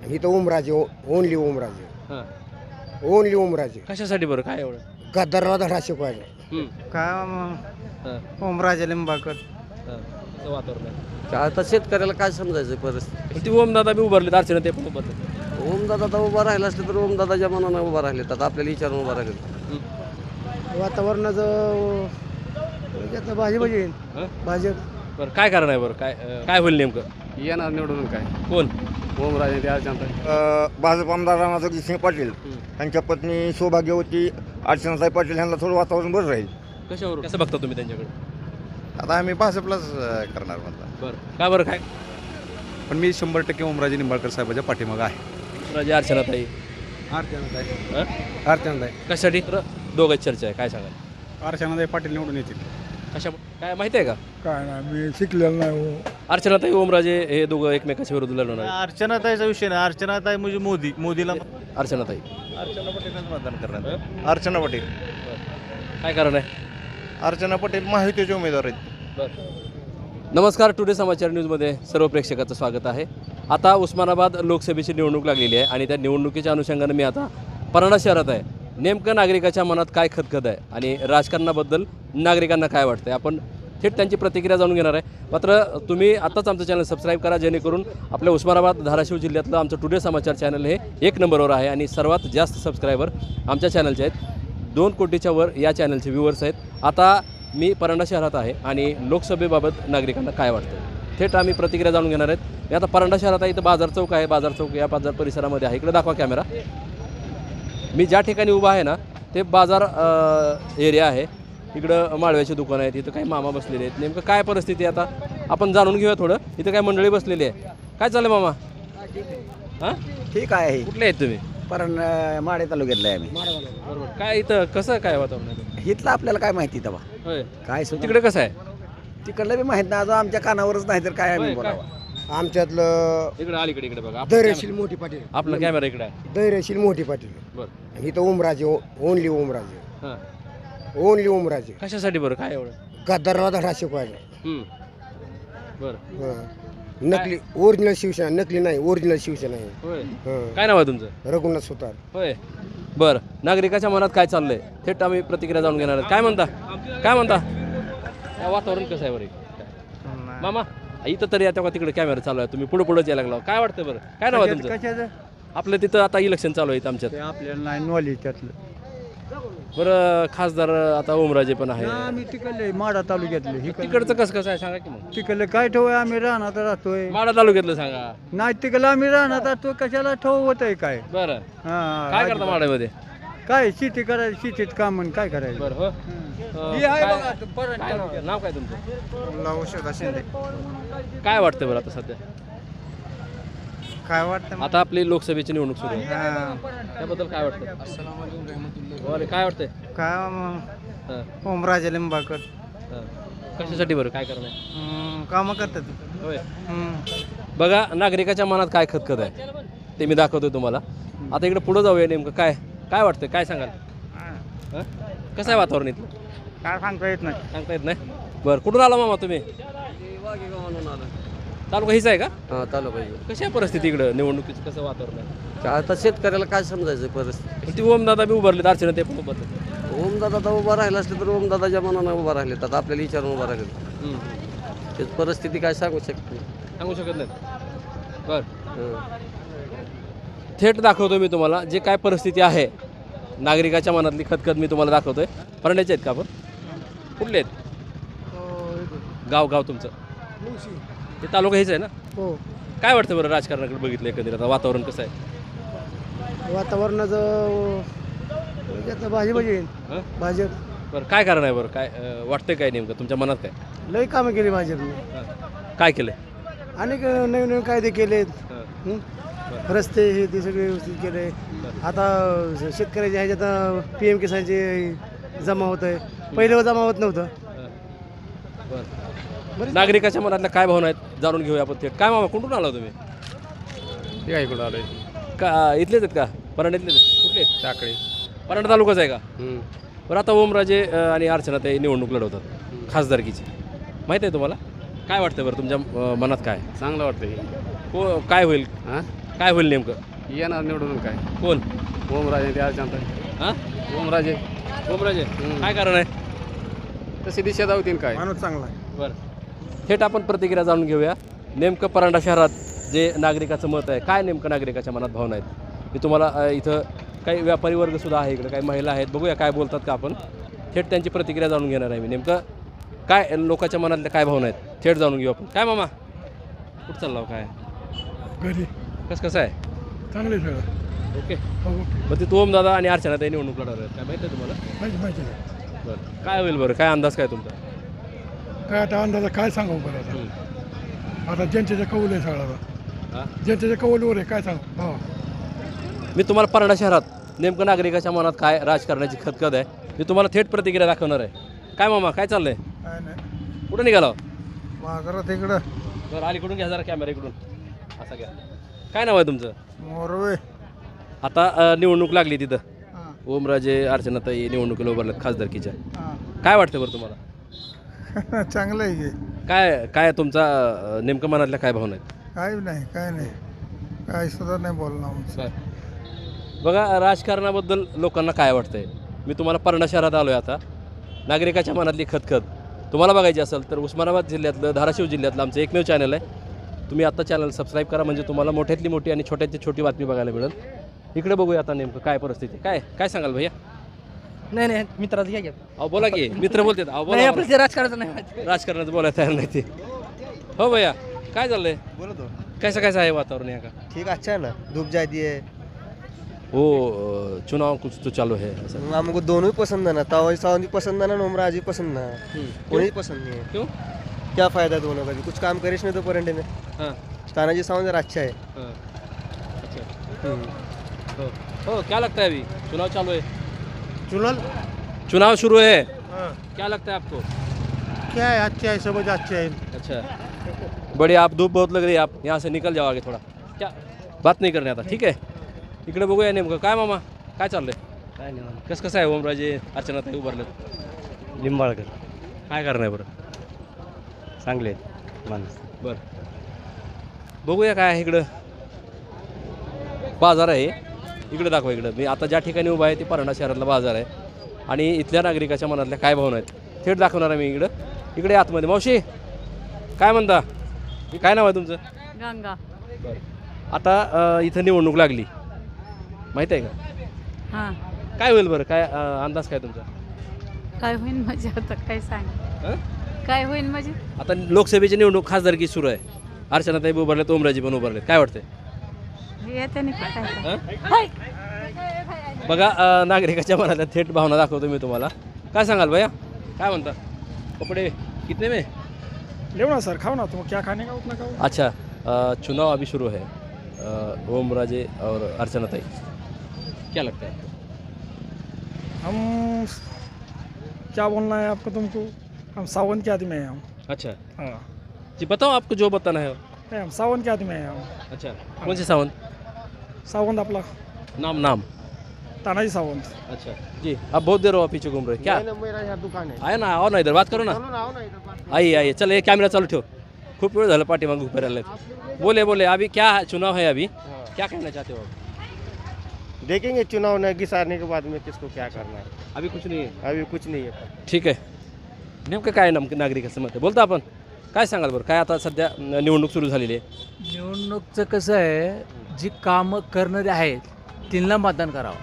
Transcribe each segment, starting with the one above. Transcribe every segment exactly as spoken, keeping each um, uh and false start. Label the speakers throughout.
Speaker 1: इथं ओमराजे ओनली ओमराजे
Speaker 2: हां
Speaker 1: ओनली ओमराजे
Speaker 2: कशासाठी बरं काय एवढं
Speaker 1: गद्दारला धडा शिकवायला
Speaker 2: हं,
Speaker 3: काय
Speaker 2: हां,
Speaker 3: ओमराजे लिंबाकर
Speaker 2: हां. कसं वातावरण आहे
Speaker 4: आता शेतकऱ्याला काय समजायचं परिस्थिती
Speaker 2: पण ती ओमदादा बी उभारले अर्चना ते पण उभारले
Speaker 4: ओमदादा आता उभा राहिला असले तर ओमदादाच्या मनानं उभा राहिले आता आपल्याला विचारून उभा राहिले
Speaker 1: वातावरणाचं भाजी भाजी
Speaker 2: हं?
Speaker 1: भाजप
Speaker 2: बरं काय कारण आहे बरं काय अं, काय होईल नेमकं
Speaker 4: येणार निवडून काय
Speaker 2: कोण
Speaker 4: ओमराजे ते अर्चना
Speaker 1: भाजप आमदार राणाजोगी सिंह पाटील त्यांच्या पत्नी सौभाग्यवती अर्चनाताई पाटील यांना थोडं वातावरण बरं राहील
Speaker 2: कशावर कसं बघता तुम्ही त्यांच्याकडे
Speaker 3: आता आम्ही भाजपलाच करणार म्हणता
Speaker 2: बरं काय बरं काय
Speaker 3: पण मी शंभर टक्के ओमराजे निंबाळकर साहेबाच्या पाठीमागं आहे
Speaker 2: राजे अर्चनाताई
Speaker 3: अर्चनाताई
Speaker 2: हं?
Speaker 3: अर्चनाताई
Speaker 2: कशासाठी तर दोघांची चर्चा आहे काय सांगाल
Speaker 3: अर्चनाताई पाटील निवडून येतील
Speaker 2: कशा काय माहिती आहे का
Speaker 1: काय नाही मी शिकलेलं नाही
Speaker 2: अर्चनाताई ओमराजे हे दोघं एकमेकाच्या विरोध लढवणार आहेत.
Speaker 5: अर्चनाताईचा विषय नाही अर्चनाताई म्हणजे मोदी मोदीला
Speaker 2: अर्चनाताई
Speaker 5: अर्चना पटेलच मतदान करणार अर्चना पटेल
Speaker 2: काय कारण आहे
Speaker 5: अर्चना पटेल महायुतीचे उमेदवार आहेत
Speaker 2: नमस्कार टुडे समाचार न्यूजमध्ये सर्व प्रेक्षकाचं स्वागत आहे. आता उस्मानाबाद लोकसभेची निवडणूक लागलेली आहे आणि त्या निवडणुकीच्या अनुषंगानं मी आता परांडा शहरात आहे. नेमकं नागरिकाच्या मनात काय खदखद आहे आणि राजकारणाबद्दल नागरिकांना काय वाटतं आहे आपण थेट त्यांची प्रतिक्रिया जाणून घेणार आहे. मात्र तुम्ही आत्ताच आमचं चॅनल सबस्क्राईब करा जेणेकरून आपल्या उस्मानाबाद धाराशिव जिल्ह्यातलं आमचं टुडे समाचार चॅनल हे एक नंबरवर आहे आणि सर्वात जास्त सबस्क्रायबर आमच्या चॅनलचे आहेत. दोन कोटीच्या वर या चॅनलचे व्ह्यूवर्स आहेत. आता मी परांडा शहरात आहे आणि लोकसभेबाबत नागरिकांना काय वाटतं थेट आम्ही प्रतिक्रिया जाणून घेणार आहेत. मी आता परांडा शहरात आहे. इथं बाजार चौक आहे. बाजार चौक या बाजार परिसरामध्ये आहे. इकडे दाखवा कॅमेरा. मी ज्या ठिकाणी उभा आहे ना ते बाजार एरिया आहे. इकडं माळव्याची दुकानं आहेत. इथं काही मामा बसलेले आहेत. नेमकं काय परिस्थिती आहे आता आपण जाणून घेऊया थोडं. इथं काय मंडळी बसलेली आहे. काय चाललं मामा हां
Speaker 1: ठीक आहे
Speaker 2: कुठले आहेत तुम्ही
Speaker 1: पण माडे तालुक्यातलं आहे आम्ही
Speaker 2: बरोबर काय इथं कसं काय वातावरण आहे
Speaker 1: इथलं आपल्याला काय माहिती तेव्हा
Speaker 2: होय
Speaker 1: काय सुद्धा
Speaker 2: तिकडे कसं आहे
Speaker 1: तिकडलं बी माहित नाही अजून आमच्या कानावरच नाही तर काय आम्ही
Speaker 2: होय, काय?
Speaker 1: बोलावं आमच्यातलं
Speaker 2: इकडे अलीकडे इकडे बघा आपला
Speaker 1: धैर्यशील
Speaker 2: कॅमेरा-
Speaker 1: मोठी पाटील
Speaker 2: आपला कॅमेरा इकडे आहे
Speaker 1: धैर्यशील मोठी पाटील
Speaker 2: बरं
Speaker 1: इथं ओमराजे ओनली ओमराजे
Speaker 2: हां
Speaker 1: ओनली ओमराजे
Speaker 2: कशासाठी बरं काय एवढं
Speaker 1: गद्दारला धडा शिकवायला
Speaker 2: हम्म. बरं
Speaker 1: हं. नकली ओरिजिनल शिवसेना नकली नाही ओरिजिनल शिवसेना आहे
Speaker 2: होय
Speaker 1: हं.
Speaker 2: काय नाव आहे तुमचं
Speaker 1: रघुनाथ सुतार
Speaker 2: होय बरं नागरिकाच्या मनात काय चाललंय थेट आम्ही प्रतिक्रिया जाणून घेणार आहेत. काय म्हणता काय म्हणता काय वातावरण कसं आहे बरं मामा इथं तरी आता तिकडे कॅमेरा चालू आहे तुम्ही पुढे पुढे यायला लागला काय वाटतं बरं काय नाव आहे तुमचं
Speaker 3: कशाचं
Speaker 2: आपलं तिथं आता इलेक्शन चालू आहे इथं आमच्यात
Speaker 3: ते आपल्याला नाही नॉलेज त्यातलं
Speaker 2: बरं खासदार आता ओमराजे पण आहे
Speaker 3: आम्ही तिकडले माडा तालुक्यातले हे
Speaker 2: तिकडचं कसं कसं आहे सांगा की मग
Speaker 3: तिकडले काय ठेव आम्ही राहणार राहतोय
Speaker 2: माडा तालुक्यातलं सांगा
Speaker 3: नाही तिकडलं आम्ही राहणार राहतोय कशाला ठेव होत आहे काय
Speaker 2: बरं
Speaker 3: हा
Speaker 2: काय करता माड्यामध्ये
Speaker 3: काय शेती करायची शेतीत काम आणि काय करायचं
Speaker 2: बरं हो अं,
Speaker 3: हे आहे
Speaker 2: काय-
Speaker 3: बघा, तो परत
Speaker 2: काय नाव नाव काय तुमचं
Speaker 3: औषधा शिंदे
Speaker 2: काय वाटतं बरं आता सध्या
Speaker 3: काय वाटतं
Speaker 2: आता आपली लोकसभेची निवडणूक सुरू आहे
Speaker 3: हा.
Speaker 2: त्याबद्दल काय वाटतं अरे काय वाटतंय
Speaker 3: काय मग
Speaker 2: हां,
Speaker 3: ओमराजे लिंबाकर
Speaker 2: हां. कशासाठी बरं काय करणं आहे
Speaker 3: हम्म, कामं करतात
Speaker 2: होय
Speaker 3: हम्म.
Speaker 2: बघा नागरिकाच्या मनात काय खतखत आहे ते मी दाखवतोय तुम्हाला आता इकडे पुढं जाऊया नेमकं काय काय वाटतं काय सांगाल हं? कसं आहे वातावरण इथलं
Speaker 3: काय सांगता येत नाही
Speaker 2: सांगता येत नाही बरं कुठून आला मामा तुम्ही तालुका हीच आहे का
Speaker 4: हां तालुका
Speaker 2: कशी आहे परिस्थिती इकडं निवडणुकीचं कसं वातावरण आहे
Speaker 4: आता शेतकऱ्याला काय समजायचं परिस्थिती
Speaker 2: पण ती ओमदादा बी उभारले अर्चना ते पण उभारले
Speaker 4: ओमदादा आता उभा राहिला असले तर ओमदादाच्या मनानं उभा राहिले आता आपल्याला विचारून उभा राहिले त्याची परिस्थिती काय सांगू शकते
Speaker 2: सांगू शकत नाहीत बरं
Speaker 4: हं.
Speaker 2: थेट दाखवतो मी तुम्हाला जे काय परिस्थिती आहे नागरिकाच्या मनातली खतखत मी तुम्हाला दाखवतोय परंड्याचे आहेत का आपण कुठले आहेत गाव गाव तुमचं ते तालुका हेच आहे ना
Speaker 1: हो
Speaker 2: काय वाटतं बरं राजकारणाकडे बघितलं एकंदरीत आता वातावरण कसं आहे
Speaker 1: वातावरणाचं भाजी भाजी
Speaker 2: हं?
Speaker 1: भाजप
Speaker 2: बरं काय कारण आहे बरं काय अं, वाटतंय काय नेमकं तुमच्या मनात काय
Speaker 1: लई कामं केली भाजपने
Speaker 2: हं. काय केलंय
Speaker 1: अनेक नवीन नवीन कायदे केलेत
Speaker 2: हं.
Speaker 1: हं? रस्ते हे ते सगळे व्यवस्थित केले आता शेतकऱ्याच्या ह्याच्यात पी एम किसानचे जमा होत आहे पहिलं जमा होत नव्हतं
Speaker 2: बरं नागरिकाच्या मनातल्या काय भावना आहेत जाणून घेऊया आपण थेट काय मामा कुठून आला तुम्ही
Speaker 3: हे काय इकडं आलोय
Speaker 2: का इथलेच आहेत का परांड्यातलेच आहेत? कुठले आहेत?
Speaker 3: टाकळी
Speaker 2: परांडा तालुकाच आहे का
Speaker 4: हं.
Speaker 2: बरं आता ओमराजे अं, आणि अर्चना ते निवडणूक लढवतात खासदारकीची माहीत आहे तुम्हाला काय वाटतं बरं तुमच्या अं, मनात काय
Speaker 4: चांगलं वाटतं हे
Speaker 2: को काय होईल
Speaker 4: हां
Speaker 2: काय होईल नेमकं?
Speaker 4: येणार निवडून काय
Speaker 2: कोण?
Speaker 4: ओमराजे ते अर्चना
Speaker 2: हां
Speaker 4: ओमराजे
Speaker 2: ओमराजे काय कारण आहे?
Speaker 4: तशी दिशा दावतील काय
Speaker 1: माणूस चांगला आहे.
Speaker 2: बरं थेट आपण प्रतिक्रिया जाणून घेऊया. नेमकं परांडा शहरात जे नागरिकाचं मत आहे, काय नेमकं नागरिकाच्या मनात भावना आहेत, मी तुम्हाला अ, इथं काही व्यापारी वर्गसुद्धा आहे, इकडे काही महिला आहेत, बघूया काय बोलतात का आपण. थेट त्यांची प्रतिक्रिया जाणून घेणार आहे मी. नेमकं काय लोकांच्या मनातल्या काय भावना आहेत थेट जाणून घेऊ आपण. काय मामा कुठं चालला हो काय?
Speaker 1: घरी
Speaker 2: कसं कसं आहे?
Speaker 1: चांगले सगळं
Speaker 2: ओके.
Speaker 1: ओके
Speaker 2: मग ते तोम दादा आणि अर्चना ताई निवडणूक लढवणार आहेत, काय माहिती आहे तुम्हाला?
Speaker 1: माहिती माहिती आहे.
Speaker 2: बरं काय होईल बरं, काय अंदाज काय तुमचा?
Speaker 1: काय आता अंदाजा काय सांगू बरं आता
Speaker 2: हं.
Speaker 1: आता जनतेच्या कौल आहे सगळा
Speaker 2: हां
Speaker 1: जनतेच्या कौलवर आहे काय सांगू हो
Speaker 2: मी तुम्हाला परांडा शहरात नेमकं नागरिकाच्या मनात काय राजकारणाची खतखत आहे मी तुम्हाला थेट प्रतिक्रिया दाखवणार आहे. काय मामा काय चाललंय?
Speaker 1: काय नाही
Speaker 2: कुठं निघाला?
Speaker 1: माघारात इकडं
Speaker 2: बरं अलीकडून घ्या जरा कॅमेरा इकडून असा घ्या. काय नाव आहे तुमचं?
Speaker 1: मोरवे
Speaker 2: आता अ, निवडणूक लागली तिथं. ओमराजे अर्चनाताई निवडणुकीला उभारल्यात खासदारकीच्या. काय वाटतं बरं तुम्हाला?
Speaker 1: चांगलं आहे की
Speaker 2: काय काय तुमचा अ, नेमकं मनातल्या काय भावना आहेत?
Speaker 1: काय नाही काय नाही काय सुद्धा नाही बोलणार
Speaker 2: काय बघा राजकारणाबद्दल लोकांना काय वाटतंय मी तुम्हाला परांडा शहरात आलो आहे. आता नागरिकाच्या मनातली खतखत तुम्हाला बघायची असेल तर उस्मानाबाद जिल्ह्यातलं धाराशिव जिल्ह्यातलं आमचं एकमेव चॅनल आहे. तुम्ही आता चॅनल सबस्क्राईब करा म्हणजे तुम्हाला मोठ्यातली मोठी आणि छोट्यातली छोटी बातमी बघायला मिळेल. इकडे बघूया आता नेमकं काय परिस्थिती काय काय सांगाल भैया?
Speaker 6: नाही नाही मित्राचं घ्या घ्या
Speaker 2: अहो बोला की मित्र बोलतात. अहो
Speaker 6: नाही
Speaker 2: बोला
Speaker 6: आपलं ते राजकारणाचं नाही माहिती.
Speaker 2: राजकारणाचं बोलायला तयार नाही ते. हो भैया काय चाललंय?
Speaker 5: बोलो तो
Speaker 2: कैसा कैसा आहे वातावरण यहाँ का?
Speaker 5: ठीक अच्छा है ना धूप जाती है
Speaker 2: वो अ, चुनाव कुछ तो चालू है ऐसा.
Speaker 5: हमको दोनों ही पसंद है ना तावा सावंत भी पसंद है ना नोमराज भी पसंद है
Speaker 2: हम्म.
Speaker 5: कोई पसंद नहीं है
Speaker 2: क्यों?
Speaker 5: क्या फायदा दोनों का भी कुछ काम करिश नहीं तो परंडे में
Speaker 2: हाँ
Speaker 5: तानाजी सावंत जरा अच्छा है
Speaker 2: हाँ अच्छा
Speaker 5: हम्म।
Speaker 2: हो हो क्या लगता है अभी चुनाव चालू है?
Speaker 1: चुनल
Speaker 2: चुनाव शुरू है क्या लगता है आपको?
Speaker 1: क्या है अच्छे है समझ अच्छे है
Speaker 2: अच्छा बड़ी आप धूप बहुत लग रही है आप यहाँ से निकल जाओ आगे थोड़ा क्या बात नहीं करणे आता ठीक आहे. इकडे बघूया नेमकं काय मामा काय चाललंय?
Speaker 6: काय नाही
Speaker 2: कसं कसं आहे ओमराजे अर्चनाताई उभारलेत
Speaker 6: लिंबाळकर
Speaker 2: काय करणार बरं?
Speaker 6: चांगले आहेत माणूस.
Speaker 2: बरं बघूया काय आहे इकडं बाजार आहे इकडे दाखवा इकडं. मी आता ज्या ठिकाणी उभा आहे ते परांडा शहरातला बाजार आहे आणि इथल्या नागरिकाच्या मनातल्या काय भावना आहेत थेट दाखवणार आहे मी इकडं. इकडे आतमध्ये मावशी काय म्हणता? काय नाव आहे तुमचं?
Speaker 7: गंगा.
Speaker 2: आता अ, इथं निवडणूक लागली माहीत आहे का?
Speaker 7: हां
Speaker 2: काय होईल बरं काय अ, अंदाज काय तुमचा?
Speaker 7: काय होईल म्हणजे आता काय सांग
Speaker 2: हं?
Speaker 7: काय होईल म्हणजे
Speaker 2: आता लोकसभेची निवडणूक खासदारकी सुरू आहे. अर्चनाताई उभारलेत ओमराजे पण उभारलेत काय वाटतंय?
Speaker 7: येते नाही का काय
Speaker 2: हं? बघा अ, नागरिकाच्या मनातल्या थेट भावना दाखवतो मी तुम्हाला. काय सांगाल भैया काय म्हणता? कपडे कितने में?
Speaker 1: लेव ना सर खाओ ना तुम क्या खाने का उतना खाओ.
Speaker 2: अच्छा अ, चुनाव अभी शुरू है अ, ओमराजे और अर्चनाताई क्या लगता है आपको?
Speaker 1: हम क्या बोलना है आपको तुमको हम सावन के आदमी हैं हम
Speaker 2: अच्छा
Speaker 1: हाँ
Speaker 2: जी बताओ आपको जो बताना है.
Speaker 1: नहीं, हम सावन के आदमी हैं हम
Speaker 2: अच्छा कौन से सावन?
Speaker 1: सावंत आपला
Speaker 2: नाम नाम
Speaker 1: तानाजी सावंत.
Speaker 2: अच्छा जी आप बहुत देर हो आप पीछे घूम रहे क्या?
Speaker 5: मेरा यहाँ दुकान है
Speaker 2: आए ना आओ ना इधर बात करो ना.
Speaker 5: आओ ना इधर
Speaker 2: आइए आइए चल ये कैमरा चालू ठेव. खूप वेळ झालं पाठीमागं उभे राहिले. बोले बोले अभी क्या चुनाव है अभी क्या कहना चाहते हो आप?
Speaker 5: देखेंगे चुनाव न घिसारने के बाद में किसको क्या करना है
Speaker 2: अभी कुछ नहीं है.
Speaker 5: अभी कुछ नहीं है.
Speaker 2: ठीक आहे नेमकं काय नाम नागरिकाचं मत आहे बोलता आपण काय सांगाल बरं काय आता सध्या न- निवडणूक सुरू झालेली आहे.
Speaker 6: निवडणूकचं कसं आहे जी कामं करणारे आहेत त्यांना मतदान करावं.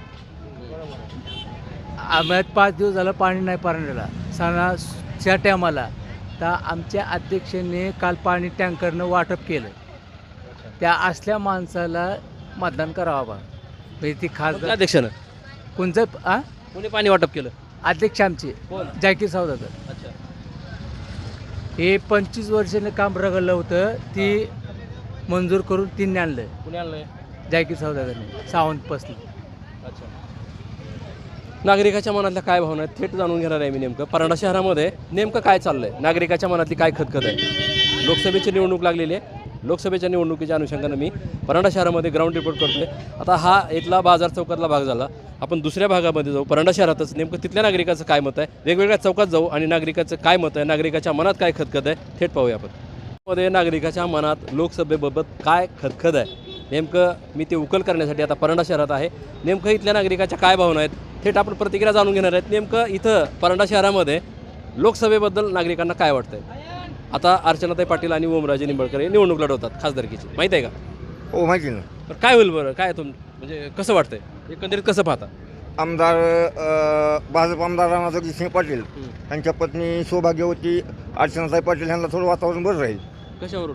Speaker 6: आम्हाला पाच दिवस झालं पाणी नाही पारण्याला सणाच्या टायमाला तर आमच्या अध्यक्षांनी काल पाणी टँकरनं वाटप केलं. त्या असल्या माणसाला मतदान करावं बा म्हणजे ती
Speaker 2: कोणत्या
Speaker 6: खासदार
Speaker 2: अध्यक्षानं
Speaker 6: कोणचं आ
Speaker 2: कोणी पाणी वाटप केलं?
Speaker 6: अध्यक्ष आमचे
Speaker 2: कोण?
Speaker 6: जाकीर सावदागर.
Speaker 2: अच्छा
Speaker 6: हे पंचवीस वर्षाने काम रगडलं होतं ती मंजूर करून तीन आणलं
Speaker 2: कुणी आणलंय?
Speaker 6: जाकीर सावदागरने सावंत पसली.
Speaker 2: अच्छा नागरिकाच्या मनातल्या काय भावना आहेत थेट जाणून घेणार आहे मी. नेमकं परांडा शहरामध्ये नेमकं काय चाललंय नागरिकाच्या मनातली काय खतखत आहे. लोकसभेची निवडणूक लागलेली आहे. लोकसभेच्या निवडणुकीच्या अनुषंगानं मी परांडा शहरामध्ये ग्राउंड रिपोर्ट करतोय. आता हा इथला बाजार चौकातला भाग झाला. आपण दुसऱ्या भागामध्ये जाऊ परांडा शहरातच नेमकं तिथल्या नागरिकाचं काय मत आहे वेगवेगळ्या चौकात जाऊ आणि नागरिकाचं काय मत आहे नागरिकाच्या मनात काय खतखत आहे थेट पाहूया आपण. मध्ये नागरिकाच्या मनात लोकसभेबाबत काय खतखत आहे नेमकं मी ते उकल करण्यासाठी आता परंडा शहरात आहे. नेमकं इथल्या नागरिकाच्या काय भावना आहेत थेट आपण प्रतिक्रिया जाणून घेणार आहेत. नेमकं इथं परंडा शहरामध्ये लोकसभेबद्दल नागरिकांना काय वाटतंय. आता अर्चनाताई पाटील आणि ओमराजे निंबाळकर हे निवडणूक लढवतात खासदारकीची, माहीत आहे का?
Speaker 8: हो माहिती ना.
Speaker 2: तर काय होईल बरं, काय तुम म्हणजे कसं वाटतंय एकंदरीत कसं पाहता?
Speaker 8: आमदार अ, भाजप आमदार राणाजोगी सिंह पाटील यांच्या पत्नी सौभाग्यवती अर्चनाताई पाटील यांना थोडं वातावरण बरं राहील.
Speaker 2: कशावरून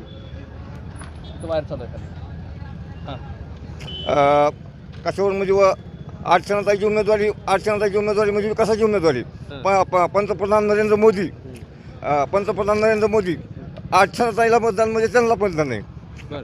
Speaker 2: तो बाहेर चालू आहे? हां
Speaker 8: अ, कशावर म्हणजे व अर्चनाताईची उमेदवारी अर्चनाताईची उमेदवारी म्हणजे विकासाची उमेदवारी. प प- पंतप्रधान नरेंद्र मोदी अ, पंतप्रधान नरेंद्र मोदी अर्चनाताईला मतदान म्हणजे त्यांना मतदान आहे.
Speaker 2: बरं.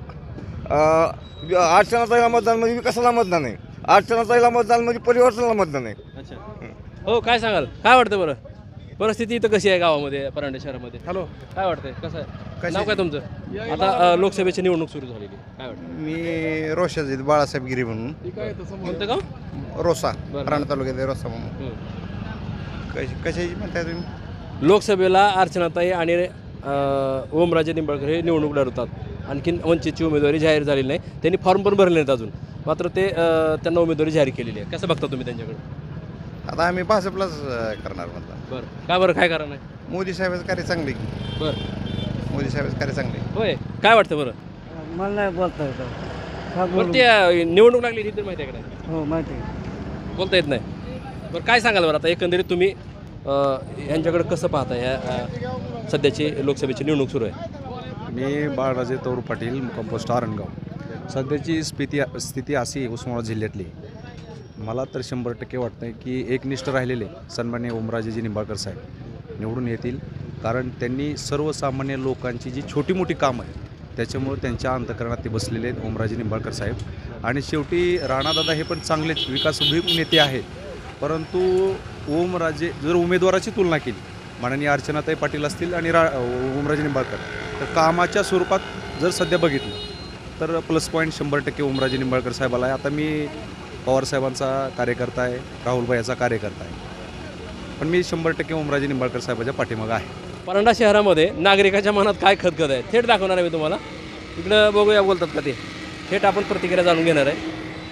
Speaker 8: अ, अर्चनाताईला मतदान म्हणजे विकासाला मतदान आहे. अर्चनाताईला मतदान म्हणजे परिवर्तनाला मतदान आहे.
Speaker 2: अच्छा. हो काय सांगाल, काय वाटतं बरं परिस्थिती इथं कशी आहे गावामध्ये परांडे शहरामध्ये?
Speaker 5: हॅलो,
Speaker 2: काय वाटतंय कसं आहे? नाव काय तुमचं? आता अ, लोकसभेची निवडणूक सुरू झालेली आहे. काय वाटतं?
Speaker 5: मी रोशाजीत बाळासाहेब गिरी म्हणून
Speaker 2: कोणतं गाव?
Speaker 5: रोसा
Speaker 2: बरं.
Speaker 5: राणा तालुक्यात आहे रोसा म्हणून.
Speaker 2: हं.
Speaker 5: कशी कशाची म्हणताय तुम्ही?
Speaker 2: लोकसभेला अर्चनाताई आणि अ, ओमराजे निंबाळकर हे निवडणूक लढवतात. आणखीन वंचितची उमेदवारी जाहीर झालेली नाही, त्यांनी फॉर्म पण भरले नाहीत अजून, मात्र ते अ, त्यांना उमेदवारी जाहीर केलेली आहे. कसं बघता तुम्ही त्यांच्याकडे?
Speaker 5: आता आम्ही भाजपलाच अं, करणार म्हणता.
Speaker 2: बरं. का बरं, काय कारण आहे?
Speaker 5: मोदी साहेबाचं कार्य चांगले.
Speaker 2: बरं.
Speaker 5: मोदी साहेबाचं कार्य चांगले.
Speaker 2: होय, काय वाटतं बरं?
Speaker 1: मला नाही बोलता येतं.
Speaker 2: बरं, ते अ, निवडणूक लागली ही तर माहिती आहे का नाही?
Speaker 1: हो माहिती आहे.
Speaker 2: बोलता येत नाही. बरं, काय सांगाल बरं आता एकंदरीत तुम्ही अ, यांच्याकडे कसं पाहता ह्या अ, सध्याची लोकसभेची निवडणूक सुरू आहे?
Speaker 3: मी बाळराजे तौर पाटील मुक्काम पोस्ट आरणगाव. सध्याची स्थिती स्थिती अशी आहे उस्मानाबाद जिल्ह्यातली, मला तर शंभर टक्के वाटतं आहे की एकनिष्ठ राहिलेले सन्मान्य ओमराजेजी निंबाळकर साहेब निवडून येतील. कारण त्यांनी सर्वसामान्य लोकांची जी छोटी मोठी कामं आहेत त्याच्यामुळे त्यांच्या अंतकरणात ते बसलेले आहेत ओमराजे निंबाळकर साहेब. आणि शेवटी राणादादा हे पण चांगलेच विकासभिमुख नेते आहेत, परंतु ओमराजे जर उमेदवाराची तुलना केली माननीय अर्चनाताई पाटील असतील आणि रा ओमराजे निंबाळकर, तर कामाच्या स्वरूपात जर सध्या बघितलं तर प्लस पॉईंट शंभर टक्के ओमराजे निंबाळकर साहेबाला आहे. आता मी पवारसाहेबांचा कार्यकर्ता आहे, राहुलभाईचा कार्यकर्ता आहे, पण मी शंभर टक्के ओमराजे निंबाळकर साहेबाच्या पाठीमागं आहे.
Speaker 2: परांडा शहरामध्ये नागरिकाच्या मनात काय खदखद आहे थेट दाखवणार आहे मी तुम्हाला. इकडं बघूया बोलतात का ते, थेट आपण प्रतिक्रिया जाणून घेणार आहे.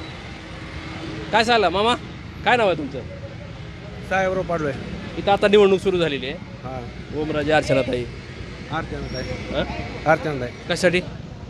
Speaker 2: काय सांगला मामा, काय नाव आहे तुमचं?
Speaker 6: साहेबराव पाडवे.
Speaker 2: इथं आता निवडणूक सुरू झालेली आहे.
Speaker 6: हां,
Speaker 2: ओमराजे अर्चनाताई
Speaker 6: अर्चनाताई.
Speaker 2: हं?
Speaker 6: अर्चनाताई
Speaker 2: कशासाठी?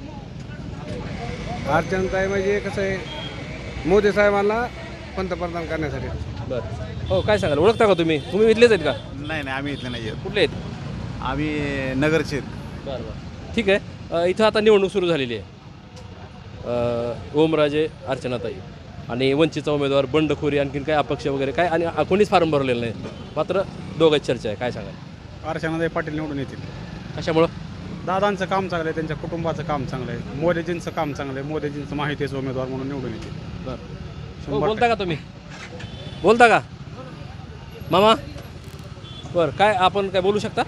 Speaker 6: अर्चनाताई म्हणजे कसं आहे, मोदी साहेबांना पंतप्रधान करण्यासाठी.
Speaker 2: बरं. हो काय सांगाल, ओळखता का तुम्ही? तुम्ही इथलेच आहेत का?
Speaker 5: नाही नाही, आम्ही इथले नाही आहेत.
Speaker 2: कुठले आहेत?
Speaker 5: आम्ही नगरचे.
Speaker 2: बरं बरं ठीक आहे. अ, इथं आता निवडणूक सुरू झालेली आहे. अ, ओमराजे अर्चनाताई आणि वंचितचा उमेदवार बंडखोरी आणखीन काय अपक्ष वगैरे काय आणि अ, कोणीच फॉर्म भरलेलं नाही, मात्र दोघांची चर्चा आहे. काय सांगाल?
Speaker 9: अर्चनाताई पाटील निवडून येतील.
Speaker 2: कशामुळं?
Speaker 9: दादांचं काम चांगलं आहे, त्यांच्या कुटुंबाचं काम चांगलं आहे, मोदीजींचं काम चांगलं आहे, मोदीजींचं माहितीचं उमेदवार म्हणून निवडून येतील.
Speaker 2: बरं. हो,
Speaker 9: शंभर
Speaker 2: बोलता का तुम्ही? बोलता का मामा? बरं, काय आपण काय बोलू शकता?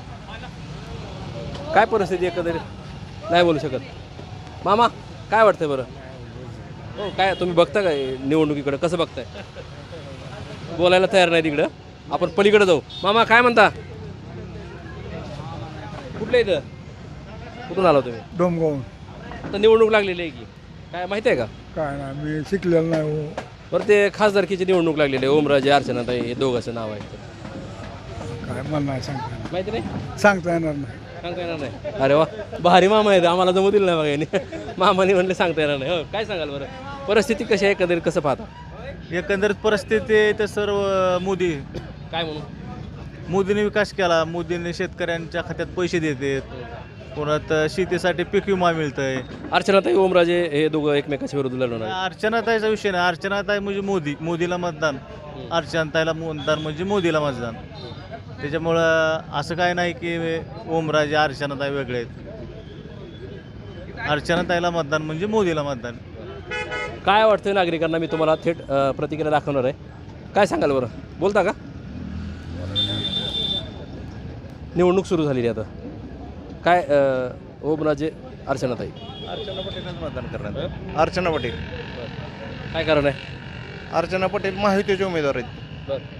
Speaker 2: काय परिस्थिती एकंदरीत नाही बोलू शकत. मामा काय वाटतंय बरं? हो काय तुम्ही बघता काय निवडणुकीकडं, कसं बघताय? बोलायला तयार नाही तिकडं, आपण पलीकडे जाऊ. मामा काय म्हणता? कुठले इथं कुठून आला तुम्ही?
Speaker 10: डोमगाव.
Speaker 2: आता निवडणूक लागलेली आहे की काय माहिती आहे का?
Speaker 10: काय ना, मी शिकलेलं नाही हो.
Speaker 2: बरं, ते खासदारकीची निवडणूक लागलेली आहे. ओमराजे अर्चनाताई हे दोघांचं नाव आहे.
Speaker 10: काय मला नाही सांगता येणार.
Speaker 2: माहिती नाही?
Speaker 10: सांगता येणार नाही.
Speaker 2: सांगता येणार नाही? अरे वा, भारी मामा आहे, आम्हाला जमू दिलं नाही बघा यांनी. मामाने म्हणले सांगता येणार नाही. हो काय सांगाल बरं, परिस्थिती कशी आहे एकंदरीत कसं पाहता?
Speaker 11: एकंदरीत परिस्थिती तर सर्व मोदी
Speaker 2: काय म्हणून?
Speaker 11: मोदीने विकास केला, मोदीने शेतकऱ्यांच्या खात्यात पैसे देतात, पुन्हा शेतीसाठी पीक विमा मिळतंय.
Speaker 2: अर्चनाताई ओमराजे हे दोघं एकमेकाच्या विरोधात लढवणार आहेत.
Speaker 11: अर्चनाताईचा विषय नाही, अर्चनाताई म्हणजे मोदी, मोदीला मतदान, अर्चनाताईला मतदान म्हणजे मोदीला मतदान. त्याच्यामुळं असं काय नाही की ओमराजे अर्चनाताई वेगळे आहेत. अर्चनाताईला मतदान म्हणजे मोदीला मतदान.
Speaker 2: काय वाटतं नागरिकांना, मी तुम्हाला थेट अ, प्रतिक्रिया दाखवणार आहे. काय सांगाल बरं, बोलता का? निवडणूक सुरू झालेली आता काय अ, ओमराजे अर्चनाताई
Speaker 5: अर्चना पटेलच मतदान करणार. अर्चना पटेल.
Speaker 2: काय कारण आहे?
Speaker 5: अर्चना पटेल महायुतीचे उमेदवार आहेत.
Speaker 2: बरं.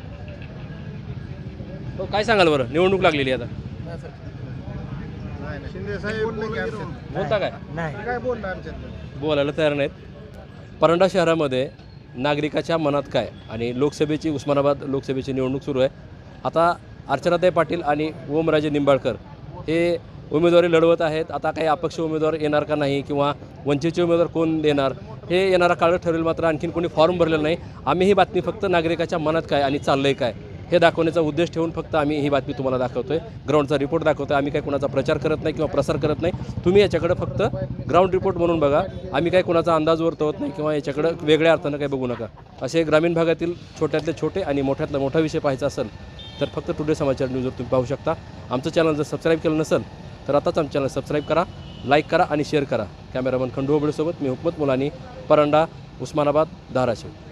Speaker 2: हो काय सांगाल बरं, निवडणूक लागलेली आता
Speaker 5: शिंदे साहेब
Speaker 2: बोलता काय?
Speaker 1: नाही
Speaker 5: काय बोलणार?
Speaker 2: बोलायला तयार नाहीत. परंडा शहरामध्ये नागरिकाच्या मनात काय आणि लोकसभेची उस्मानाबाद लोकसभेची निवडणूक सुरू आहे. आता अर्चनाताई पाटील आणि ओमराजे निंबाळकर हे उमेदवारी लढवत आहेत. आता काही अपक्ष उमेदवार येणार का नाही किंवा वंचितचे उमेदवार कोण देणार हे येणारा काळ ठरेल. मात्र आणखीन कोणी फॉर्म भरलेलं नाही. आम्ही ही बातमी फक्त नागरिकाच्या मनात काय आणि चाललं आहे काय हे दाखवण्याचा उद्देश ठेवून फक्त आम्ही ही बातमी तुम्हाला दाखवतो आहे. ग्राउंडचा रिपोर्ट दाखवतो आहे. आम्ही काही कोणाचा प्रचार करत नाही किंवा प्रसार करत नाही. तुम्ही याच्याकडे फक्त ग्राउंड रिपोर्ट म्हणून बघा. आम्ही काही कोणाचा अंदाज वर्तवत नाही किंवा याच्याकडं वेगळ्या अर्थानं काही बघू नका. असे ग्रामीण भागातील छोट्यातले छोटे आणि मोठ्यातला मोठा विषय पाहायचा असेल तर फक्त टुडे समाचार न्यूजवर तुम्ही पाहू शकता. आमचं चॅनल जर सबस्क्राईब केलं नसेल तर आताच आमचं चॅनल सबस्क्राईब करा, लाईक करा आणि शेअर करा. कॅमेरामन खंडू होबळेसोबत मी हुकमत मुलानी, परंडा, उस्मानाबाद, धाराशिव.